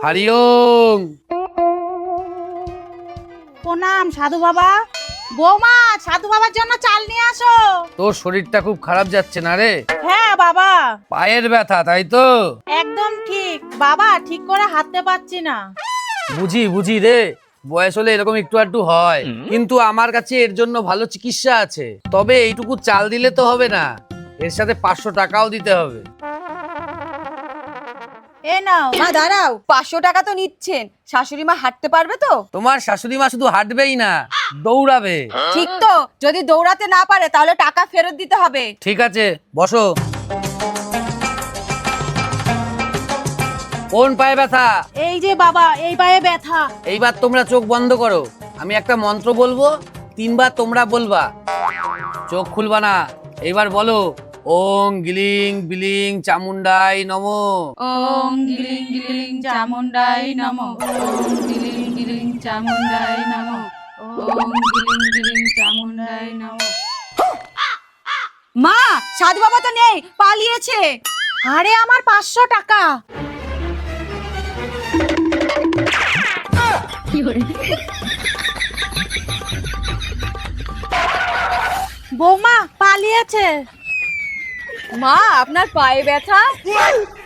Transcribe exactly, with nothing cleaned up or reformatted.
হরি ওম। প্রণাম সাধু বাবা। বৌমা, সাধু বাবার জন্য চাল নিয়ে আসো। তোর শরীরটা খুব খারাপ যাচ্ছে না রে? হ্যাঁ বাবা। পায়ের ব্যথা তাই তো? একদম ঠিক বাবা, ঠিক করে হাঁটতে পারছি না। বুঝি বুঝি রে, বয়স হলে এরকম একটু একটু হয়, কিন্তু আমার কাছে এর জন্য ভালো চিকিৎসা আছে। তবে এইটুকু চাল দিলে তো হবে না, এর সাথে পাঁচশো টাকাও দিতে হবে। এ নাও। মা দাঁড়াও, পাঁচশো টাকা তো নিচ্ছেন, শাশুড়ি মা হাঁটতে পারবে তো? তোমার শাশুড়ি মা শুধু হাঁটবেই না, দৌড়াবে। ঠিক তো, যদি দৌড়াতে না পারে তাহলে টাকা ফেরত দিতে হবে। ঠিক আছে, বসো। কোন পায়ে ব্যথা? এই যে বাবা, এই পায়ে ব্যথা। এইবার তোমরা চোখ বন্ধ করো, আমি একটা মন্ত্র বলবো, তিনবার তোমরা বলবা, চোখ খুলবা না। এইবার বলো, ওং গিলিং বিলিং চামুন্ডাই নমো। ওম গিলিং গিলিং চামুন্ডাই নমো। ওম গিলিং গিলিং চামুন্ডাই নমো। ওম গিলিং গিলিং চামুন্ডাই নমো। মা, সাধু বাবা তো নেই, পালিয়েছে। আরে আমার পাঁচশো টাকা। বৌমা পালিয়েছে। মা, আপনার পায়ে ব্যথা?